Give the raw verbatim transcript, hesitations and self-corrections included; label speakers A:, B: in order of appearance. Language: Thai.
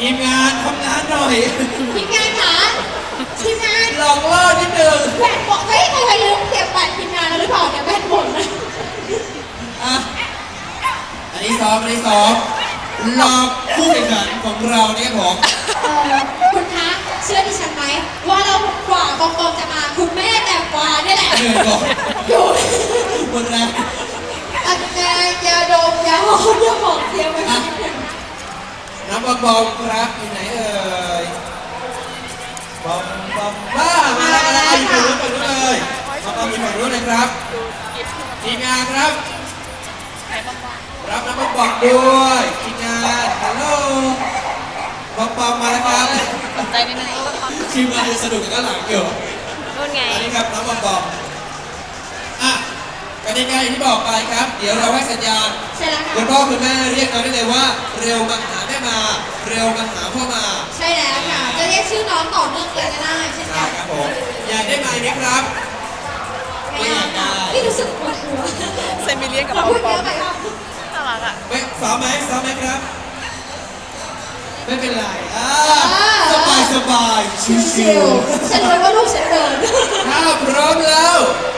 A: ทีมงานทำงานหน่อย
B: ทีมงานคะทีมงาน
A: หลอกล่อนิดนึง
B: แบตหมดเฮ้ยใครๆลืมเก็บแบตทีมงานแล้วหรือเปล่าเนี่ยแบตหมดเลย
A: อ่ะอันนี้ซ้อมอันนี้ซ้อมหลอกผู้แข่งขันของเราเนี่ยผม
B: เอ่อคุณคะเชื่อดิฉันไหมว่าเรากว่ากองกองจะมาคุณแม่แต่กว่านี่แหละ
A: เหนื่อยก่อน
B: อยู่
A: หมดแรง
B: อันแน่ยาดมยาหอมยาหอมเทียมไปนิดนึง
A: น้ำบอมบอมครับอยู่ไหนเอ่ยบอมบอมบ้ามาแล้วมาแล้วอยู่ฝั่งนู้นฝั่งนู้นเลยบอมบอมอยู่ฝั่งนู้นเลยครับทีมงานครับรับน้ำบอมบอมด้วยทีมงานฮัลโหลบอมบอมมาแล้วครับ
C: ใจนิดนึง
A: ทีมงานสนุกกันหลังเกี่ยว
C: นู่นไง
A: อันนี้ครับน้ำบอมบอมอ่ะกติกาอย่างที่บอกไปครับเดี๋ยวเราให้สัญญาณคุณพ่อคุณแม่เรียกเราได้เลยว่าเร็วมาหาแม่มาเร็วมาหาพ่อมา
B: ใช่แล้วค่ะจะเรียกชื่อน้องต่อเนื่องเลยก็ได้ใช่ไหม
A: ครับผมอยากได้ไหมไหมครับ
B: ไม่อยากได้ที่รู้สึกปวดหัว
C: เซมิเลียนกับปอมปอมน่ารักอ่ะ
A: ไม่ซ้อมไหมซ้อมไหมครับไม่เป็นไรอ่าสบายสบายชิว
B: ๆฉันรู้ว่าลูกฉันเดิน
A: ถ้าพร้อมแล้ว